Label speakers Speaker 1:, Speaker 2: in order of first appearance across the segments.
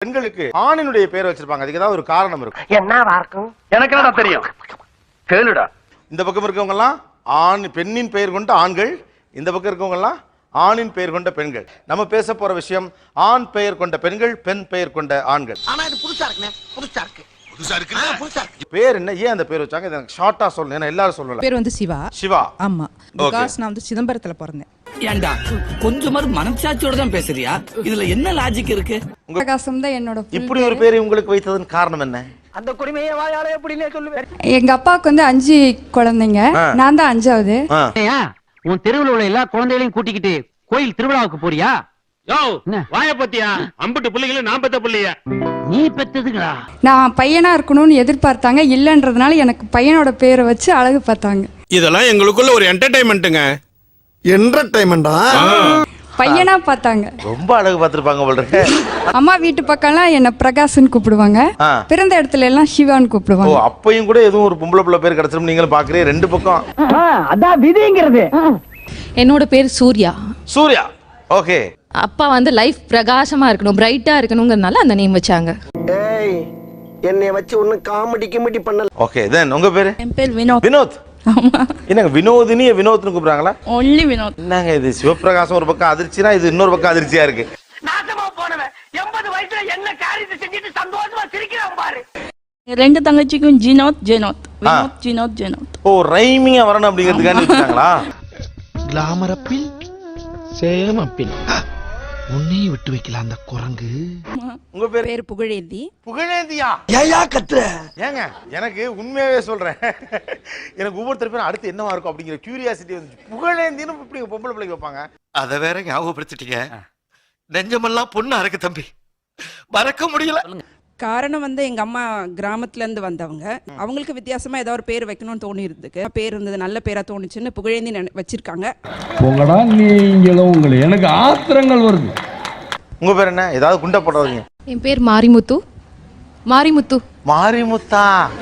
Speaker 1: பெண்களுக்கு ஆணினுடைய பேர் வச்சிருப்பாங்க. அதுக்கு ஏதாவது ஒரு காரணம் இருக்கும்.
Speaker 2: என்னவா இருக்கும்? எனக்கு என்னடா தெரியும், கேளுடா.
Speaker 1: இந்த பக்கம் இருக்கவங்க எல்லாம் ஆண் பெண்ணின் பெயர் கொண்ட ஆண்கள், இந்த பக்கம் இருக்கவங்க எல்லாம் ஆணின் பெயர் கொண்ட பெண்கள். நம்ம பேச போற விஷயம் ஆண் பெயர் கொண்ட பெண்கள், பெண் பெயர் கொண்ட ஆண்கள்.
Speaker 2: ஆனா இது புதுசா இருக்குனே, புதுசா இருக்கு.
Speaker 1: பேர் என்ன, ஏன் அந்த பேர் வச்சாங்க? எனக்கு ஷார்ட்டா சொல்லணும், ஏன்னா எல்லாரும் சொல்லல.
Speaker 3: பேர் வந்து சிவா.
Speaker 1: சிவா.
Speaker 3: ஆமா, பிகாஸ் நான் வந்து சிதம்பரத்துல பிறந்தேன்.
Speaker 4: ஏண்டா கொஞ்சமாவது மனசாட்சியோட தான் பேசுறியா? இதுல என்ன லாஜிக் இருக்கு?
Speaker 3: பிரகாசம் தான் என்னோட.
Speaker 1: இப்படி ஒரு பேரை உங்களுக்கு வைத்ததன் காரணம் என்ன?
Speaker 2: அந்த குடிமையை வாயால எப்படினே சொல்லுவேன்.
Speaker 3: எங்க அப்பாவுக்கு வந்து 5 குழந்தைங்க, நான் தான் 5வது.
Speaker 5: உன் தெருவில் உள்ள எல்லா குழந்தைகளையும் கூட்டிக்கிட்டு கோயில் திருவிழாவுக்கு போறியா?
Speaker 6: வாய பத்தியா? அம்புட்டு பிள்ளைகள நான் பெத்த பிள்ளைய
Speaker 5: நீ பெத்ததுங்களா?
Speaker 3: நான் பையனா இருக்கணும்னு எதிர்பார்த்தாங்க, இல்லன்றதுனால எனக்கு பையனோட பேரை வச்சு அழகு பார்த்தாங்க.
Speaker 6: இதெல்லாம் எங்களுக்குள்ள ஒரு என்டர்டைன்மெண்ட்டுங்க.
Speaker 7: என்டர்டைன்மெண்டா?
Speaker 3: பையனா பார்த்தாங்க.
Speaker 1: ரொம்ப அழகு பார்த்திருப்பாங்க போல இருக்கு.
Speaker 3: அம்மா வீட்டு பக்கம்லாம் என்ன பிரகாஷ்னு கூப்பிடுவாங்க, பிறந்த இடத்துல எல்லாம் சிவான்னு கூப்பிடுவாங்க.
Speaker 1: ஓ, அப்பையும் கூட எதுவும் ஒரு பொம்பளை பிள்ளை பேர் கிடைச்சிரும் நீங்களும் பாக்குறீங்க. ரெண்டு பக்கம்
Speaker 2: அதான் விதிங்கிறது.
Speaker 8: என்னோட பேர் சூர்யா.
Speaker 1: சூர்யா. ஓகே.
Speaker 8: அப்பா வந்து லைஃப் பிரகாசமா இருக்கணும், பிரைட்டா இருக்கணும்ங்கறனால அந்த நேம் வச்சாங்க.
Speaker 2: ஏய், என்னைய வச்சு ஒண்ணு காமெடி கிமெடி பண்ணல.
Speaker 1: ஓகே, தென் உங்க பேரு?
Speaker 3: என் பேர் வினோத்.
Speaker 1: வினோத்.
Speaker 3: ஆமா.
Speaker 1: என்னங்க வினோதினி வினோத்னு கூப்பிடுறாங்களா?
Speaker 3: ஒன்லி வினோத்.
Speaker 1: என்னங்க இது, சிவபிரகாசம் ஒரு பக்கம் அதிர்ச்சினா இது இன்னொரு பக்கம் அதிர்ச்சியா இருக்கு.
Speaker 2: நாசமா போனவன் 80 வயசுல என்ன காரியத்தை செஞ்சுட்டு சந்தோஷமா சிரிக்கிறான் பாரு.
Speaker 3: ரெண்டு தங்கச்சிக்கும் ஜினோத் ஜெனோத், வினோத் ஜினோத் ஜெனோத்.
Speaker 1: ஓ, ரைமிங்கா வரணும் அப்படிங்கிறதுக்காண்டி வச்சாங்களா?
Speaker 7: கிளாமர் அப்பில் சேம் அப்பில் உன்னையே விட்டு வைக்கலாம் அந்த குரங்கு.
Speaker 1: உங்க பேர்?
Speaker 3: பேர் புகழேந்தி.
Speaker 1: புகழேந்தியா?
Speaker 7: ஏயா கத்துற?
Speaker 1: ஏங்க எனக்கு உண்மையாவே சொல்றேன், எனக்கு ஒவ்வொருத்தர் பேரும் அடுத்து என்னவா இருக்கும் அப்படிங்கிற கியூரியாசிட்டி வந்துச்சு. புகழேந்தின்னு இப்படி பொம்பளை பிள்ளைக்கு வைப்பாங்க?
Speaker 7: அத வேற ஞாபகப்படுத்திட்டீங்க. நெஞ்சமெல்லாம் பொண்ணா இருக்கு தம்பி, மறக்க முடியல.
Speaker 9: காரணம் வந்து எங்க அம்மா கிராமத்துல இருந்து வந்தவங்க, அவங்களுக்கு வித்தியாசமா ஏதாவது ஒரு பேர் வைக்கணும்னு தோணி இருந்துக்கு. பேர் இருந்தது, நல்ல பேரா தோணுச்சுன்னு புகழேந்தி வச்சிருக்காங்க.
Speaker 10: உங்களா நீங்களும் உங்களை எனக்கு ஆத்திரங்கள் வருது.
Speaker 1: உங்க பேர் என்ன? ஏதாவது குண்டை போடுறீங்க?
Speaker 8: என் பேர் மாரிமுத்து. மாரிமுத்து.
Speaker 1: மாரிமுத்தா?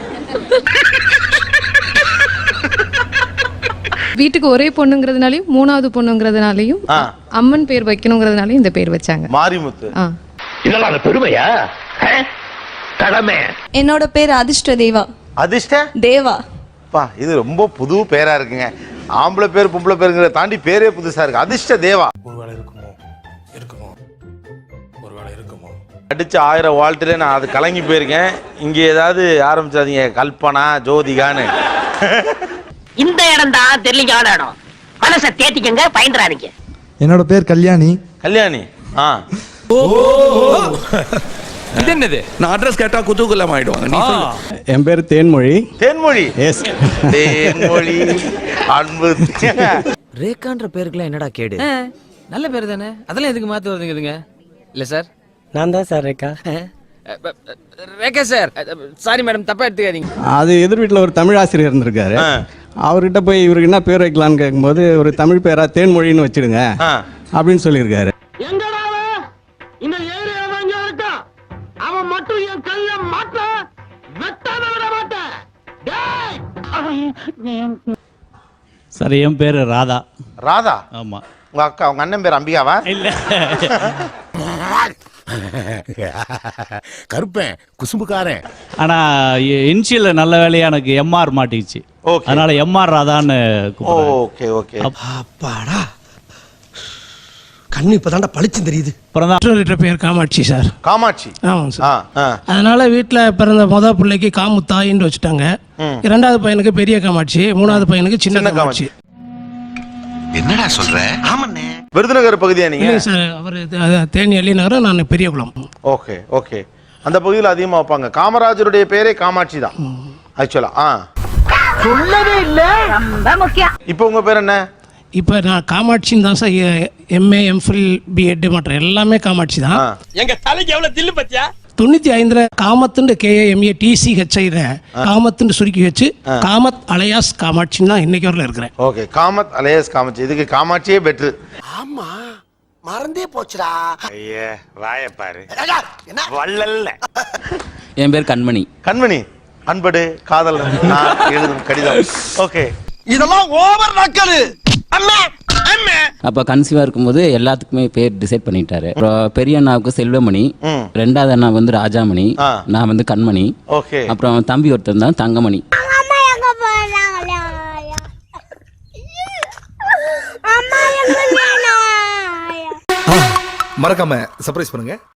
Speaker 8: வீட்டுக்கு ஒரே பொண்ணுங்கிறதுனாலையும் 3வது பொண்ணுங்கிறதுனாலையும் அம்மன் பேர் வைக்கணுங்கிறதுனாலையும் இந்த பேர் வச்சாங்க,
Speaker 1: மாரிமுத்து.
Speaker 2: இதெல்லாம் பெருமையா? கடமை.
Speaker 3: என்னோட பேர் அதிர்ஷ்ட தேவா.
Speaker 1: அதிர்ஷ்ட
Speaker 3: தேவா.
Speaker 1: பா, இது ரொம்ப புது பேரா இருக்குங்க. ஆம்பளை பேர் பொம்பளை பேருங்கிற தாண்டி பேரே புதுசா இருக்கு. அதிர்ஷ்ட தேவா.
Speaker 7: ஒருவேளை இருக்குமோ, இருக்குமோ, ஒருவேளை இருக்குமோ.
Speaker 1: அடிச்சு 1000 வாழ்த்துல நான் அது கலங்கி போயிருக்கேன். இங்க ஏதாவது ஆரம்பிச்சாதீங்க கல்பனா ஜோதிகான்னு.
Speaker 2: இந்த இடம் தான் தெரியல இடம். மனசை தேத்திக்கங்க, பயந்துறாதீங்க.
Speaker 7: என்னோட பேர் கல்யாணி.
Speaker 1: கல்யாணி.
Speaker 6: இது என்னது? நான் அட்ரஸ் கேட்டா குதூகலம் ஆயிடுவாங்க.
Speaker 10: என் பேர் தேன்மொழி.
Speaker 1: தேன்மொழி.
Speaker 10: எஸ்.
Speaker 1: தேன்மொழி அன்பு.
Speaker 4: ரேகான்ற பேருக்குலாம் என்னடா கேடு? நல்ல பேர் தானே, அதெல்லாம் எதுக்கு மாத்தி வருதுங்க? இல்ல சார்,
Speaker 2: நான் தான் sir Rekha.
Speaker 4: Rekha sir, sorry madam, தப்பா எடுத்துக்காதீங்க.
Speaker 10: அது எதிர் வீட்டில் ஒரு தமிழ் ஆசிரியர் இருந்திருக்காரு. அவர்கிட்ட போய் இவருக்கு என்ன பேர் வைக்கலான்னு கேட்கும்போது ஒரு தமிழ் பேரா தேன்மொழின்னு வச்சிடுங்க அப்படின்னு சொல்லியிருக்காரு.
Speaker 2: இந்த ஏரியா இருக்கா, அவன் மட்டும் என் கைய மாட்ட வெட்டாத விட மாட்டேன்.
Speaker 10: சார், என் பேர் ராதா.
Speaker 1: ராதா?
Speaker 10: ஆமா.
Speaker 1: உங்க அக்கா, உங்க அண்ணன் பேர் அம்பிகாவா?
Speaker 10: இல்ல.
Speaker 7: கருப்பேன், குசும்புக்காரன்.
Speaker 10: ஆனா இன்ஷியல்ல நல்ல வேலையா எனக்கு எம்ஆர் மாட்டிச்சு, அதனால எம்ஆர் ராதான்னு.
Speaker 1: Okay okay.
Speaker 7: அப்பாடா, கண்ணு இப்பதான்டா பளிச்சு தெரியுது.
Speaker 10: அப்புறம்
Speaker 9: பேர் காமாட்சி சார்.
Speaker 1: காமாட்சி.
Speaker 9: ஆமாம் சார். அதனால வீட்டுல பிறந்த முதல் பிள்ளைக்கு காமுத்தாயின்னு வச்சுட்டாங்க. 2வது பையனுக்கு பெரிய காமாட்சி, 3வது பையனுக்கு சின்ன காமாட்சி.
Speaker 7: என்னடா சொல்ற? ஆமாண்ணே.
Speaker 1: விருதுநகர் பகுதியா நீங்க?
Speaker 9: சார், அவர் தேனி அள்ளி நகரம், நான் பெரியகுளம்.
Speaker 1: Okay okay. அந்த பகுதியில் அதிகமா வைப்பாங்க. காமராஜருடைய பேரே காமாட்சி தான் ஆக்சுவலா.
Speaker 2: சொல்லவே இல்ல, ரொம்ப முக்கியம்.
Speaker 1: இப்போ உங்க பேர் என்ன?
Speaker 9: இப்போ நான் காமாட்சின்னு தான் சார். எம்ஏ, எம்ஃபில், பிஎட் மற்ற எல்லாமே காமாட்சி தான்.
Speaker 6: எங்க தலைக்கு எவ்வளவு தில்லு பத்தியா?
Speaker 9: 95 காமத்துண்டு KAMATCHI காமத்துண்டு சுருக்கி வச்சு காமத் அலையாஸ் காமாட்சின்னு தான் இன்னைக்கு வரல இருக்கிறேன்.
Speaker 1: Okay, Kamath alias Kamakshi. இதுக்கு காமாட்சியே பெட்ரு.
Speaker 7: ஆமா, மறந்தே போச்சுடா.
Speaker 1: ஐயே, வாயை பாரு. வள்ளல்ல.
Speaker 4: என் பேர் கண்மணி.
Speaker 1: கண்மணி. அன்படு காதல் நான் எழுதும் கடிதம். ஓகே.
Speaker 7: இதெல்லாம் ஓவர் நக்கலு. அம்மா
Speaker 11: அப்ப கன்சீவா இருக்கும்போது எல்லாத்துக்குமே பேர் டிசைட் பண்ணிட்டாரு. அப்புறம் பெரிய அண்ணாவுக்கு செல்வமணி, ரெண்டாவது அண்ணா வந்து ராஜாமணி, நான் வந்து கண்மணி,
Speaker 1: ஓகே.
Speaker 11: அப்புறம் தம்பி ஒருத்தர் தான் தங்கமணி.
Speaker 7: மறக்காம சர்ப்ரைஸ் பண்ணுங்க.